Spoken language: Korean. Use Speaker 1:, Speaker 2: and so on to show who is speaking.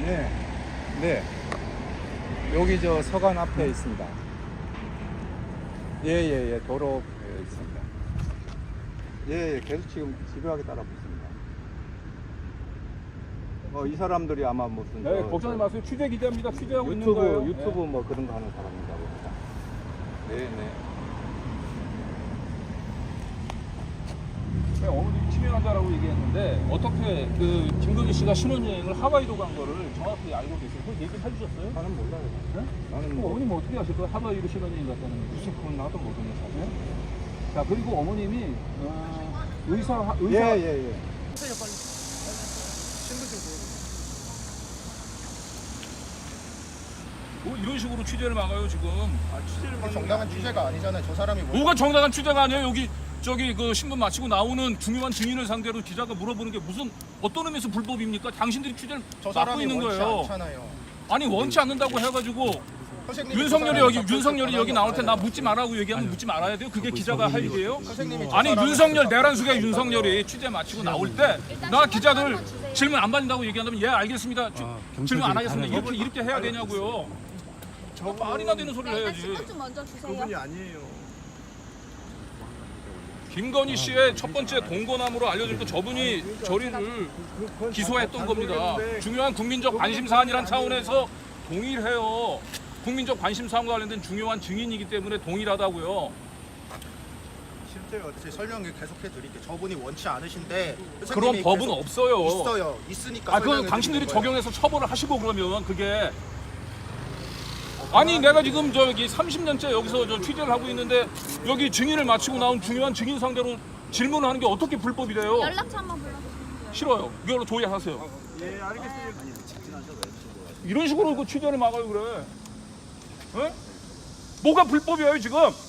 Speaker 1: 네. 네. 여기 저 서관 앞에 있습니다. 예, 도로에 있습니다. 예, 계속 지금 집요하게 따라오고 있습니다. 이 사람들이 아마 무슨
Speaker 2: 네, 걱정하지 마세요. 취재 기자입니다. 취재하고 있는 거예요.
Speaker 1: 유튜브 뭐 그런 거 하는 사람인가 봅니다. 네.
Speaker 2: 어머님이 치매환자라고 얘기했는데 어떻게 그 김건희 씨가 신혼여행을 하와이로 간 거를 정확히 알고 계세요? 그걸 얘기를 해주셨어요?
Speaker 1: 나는 몰라요.
Speaker 2: 네?
Speaker 1: 나는
Speaker 2: 그럼
Speaker 1: 뭐
Speaker 2: 어머님 어떻게 아실 거예요? 하와이로 신혼여행 갔다는 거.
Speaker 1: 무슨 그건 나도 모르는 사실.
Speaker 2: 자, 그리고 어머님이 의사
Speaker 1: 예.
Speaker 2: 뭐 이런 식으로 취재를 막아요 지금.
Speaker 3: 이게 정당한 취재가 아니잖아요. 저 사람이
Speaker 2: 뭐가 정당한 취재가 아니에요? 여기 저기 그 신문 마치고 나오는 중요한 증인을 상대로 기자가 물어보는 게 무슨 어떤 의미에서 불법입니까? 당신들이 취재를
Speaker 3: 저
Speaker 2: 막고
Speaker 3: 사람이
Speaker 2: 있는
Speaker 3: 원치
Speaker 2: 거예요.
Speaker 3: 않잖아요.
Speaker 2: 아니 원치 않는다고 해가지고
Speaker 3: 선생님이
Speaker 2: 윤석열이 여기 나올 때 나 묻지 말라고 얘기하면 묻지 말아야 돼요? 그게 기자가 할 일이에요? 아니 윤석열 내란 속에 윤석열이 취재 마치고 나올 때 나 기자들 질문 안 받는다고 얘기한다면 예 알겠습니다. 질문 안 하겠습니다. 이렇게 해야 되냐고요. 저 말이나 되는 소리를 해야지.
Speaker 4: 신분 좀 먼저 주세요.
Speaker 5: 그분이 아니에요.
Speaker 2: 김건희 씨의 첫 번째 동거남으로 알려질 때 저분이 저리를 기소했던 겁니다. 중요한 국민적 관심 사안이란 차원에서 동일해요. 국민적 관심 사안과 관련된 중요한 증인이기 때문에 동일하다고요.
Speaker 3: 실제로 어떻게 설명 계속해 드릴게요. 저분이 원치 않으신데
Speaker 2: 그런 법은 없어요.
Speaker 3: 있어요. 있으니까.
Speaker 2: 그건
Speaker 3: 설명해
Speaker 2: 당신들이
Speaker 3: 드리는 거예요.
Speaker 2: 적용해서 처벌을 하시고 그러면 그게 아니 내가 지금 저기 30년째 여기서 저 취재를 하고 있는데 여기 증인을 마치고 나온 중요한 증인 상대로 질문을 하는 게 어떻게 불법이 돼요?
Speaker 4: 연락처 한번 불러주시면 돼요.
Speaker 2: 싫어요. 이걸로 조회하세요.
Speaker 5: 예, 알겠습니다.
Speaker 2: 이런 식으로 그 취재를 막아요 그래. 에? 뭐가 불법이에요 지금?